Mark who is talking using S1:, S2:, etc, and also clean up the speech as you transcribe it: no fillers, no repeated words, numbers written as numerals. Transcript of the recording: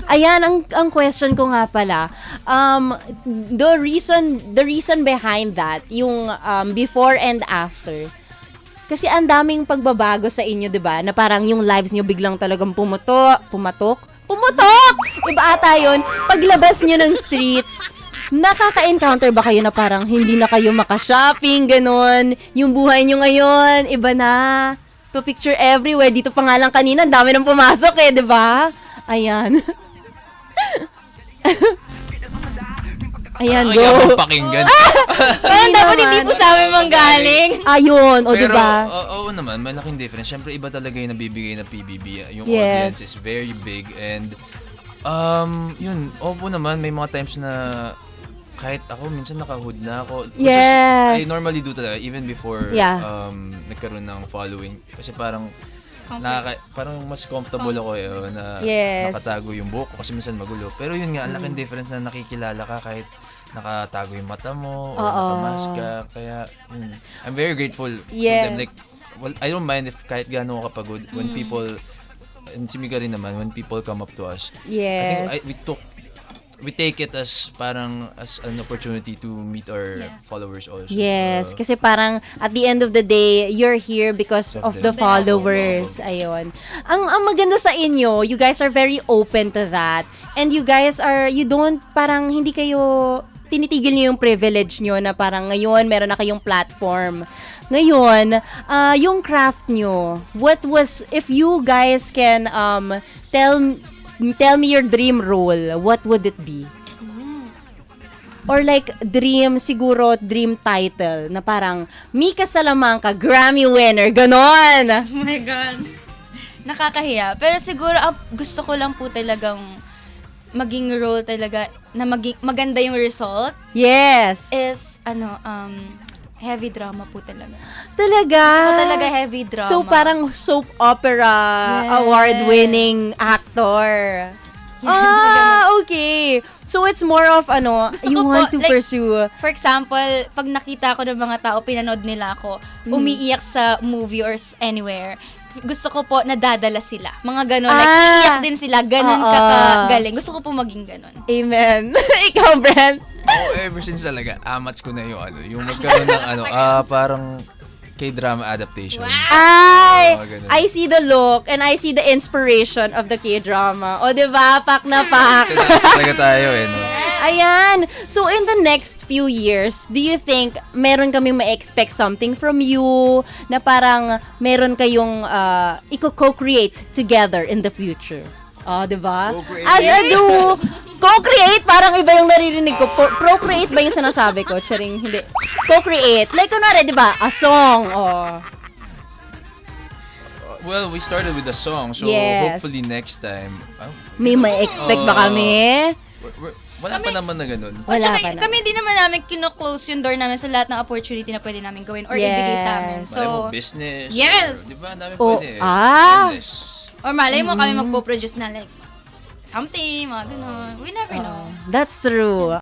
S1: Ayan, ang question ko nga pala, the reason behind that, yung before and after. Kasi ang daming pagbabago sa inyo, 'di ba? Na parang yung lives niyo biglang talagang pumatok. Iba ata 'yon. Paglabas niyo ng streets, nakaka-encounter ba kayo na parang hindi na kayo maka-shopping, ganun? Yung buhay niyo ngayon, iba na. Picture everywhere. Dito pa nga lang kanina, ang dami nang pumasok 'di ba? Ayan. Ayan, go.
S2: Ayaw pakinggan.
S3: Parang dapat hindi po sa amin manggaling.
S1: Ayun, o
S2: Pero,
S1: diba?
S2: oo naman, malaking difference. Siyempre, iba talaga yung nabibigay na PBB. Yung
S1: Yes.
S2: audience is very big and, yun, opo naman, may mga times na kahit ako, minsan naka-hood na ako. Which
S1: Yes.
S2: is, I normally do talaga, even before
S1: Yeah.
S2: nagkaroon ng following. Kasi parang, parang mas comfortable ako na
S1: Yes.
S2: nakatago yung buhok ko kasi minsan magulo. Pero yun nga, ang laking difference na nakikilala ka kahit nakatago yung mata mo o nakamask ka. Kaya, I'm very grateful to
S1: Yes.
S2: them. Like, well, I don't mind if kahit gaano ako kapagod when people, and si Mika rin naman, when people come up to us.
S1: Yes.
S2: I think we take it as parang as an opportunity to meet our followers also.
S1: Yes, kasi parang at the end of the day, you're here because of the followers. Ayun. Ang maganda sa inyo, you guys are very open to that. And you guys you don't, parang hindi kayo, tinitigil niyo yung privilege niyo na parang ngayon meron na kayong platform. Ngayon, yung craft niyo, if you guys can tell me your dream role, what would it be? Or like dream title na parang Mika Salamanca, Grammy winner, ganon.
S3: Oh my God. Nakakahiya. Pero siguro gusto ko lang po talagang maging role talaga na maganda yung result
S1: Yes.
S3: is heavy drama po talaga.
S1: Talaga?
S3: Talaga heavy drama.
S1: So parang soap opera award-winning actor. Okay. So it's more of
S3: Gusto
S1: you
S3: ko
S1: want
S3: po,
S1: to
S3: like,
S1: pursue.
S3: For example, pag nakita ko ng mga tao, pinanood nila ako, umiiyak sa movie or anywhere, gusto ko po nadadala sila. Mga ganon. Like, iiyak din sila. Ganon kakagaling. Gusto ko po maging ganon.
S1: Amen. Ikaw, Brent?
S2: Ako, ever since talaga, amats ko na yung magkaroon ng parang K-drama adaptation.
S1: Ay,
S2: Ganun.
S1: I see the look and I see the inspiration of the K-drama. O, diba? Pak na pak.
S2: Tinas talaga tayo no?
S1: Ayan. So, in the next few years, do you think meron kaming ma-expect something from you na parang meron kayong co-create together in the future? Oh, diba?
S2: Co-create.
S1: As a duo, co-create, parang iba yung naririnig ko. Procreate ba yung sinasabi ko? Charing, hindi. Co-create. Like, kunwari, diba? A song. Oh.
S2: Well, we started with a song, so
S1: Yes.
S2: hopefully next time.
S1: May ma-expect ba kami?
S2: Wala pa naman na ganun.
S1: Wala
S3: Tsaka,
S1: pa na.
S3: kami din naman namin kino-close yung door namin sa lahat ng opportunity na pwede namin gawin or ibigay sa amin.
S1: Yes.
S2: Malay mo
S3: So,
S2: business.
S3: Yes!
S2: Or, di ba? Ang dami
S1: Oh,
S2: pwede. Endless.
S3: or malay mo kami magpo-produce na like something, mga ganun. We never know.
S1: That's true.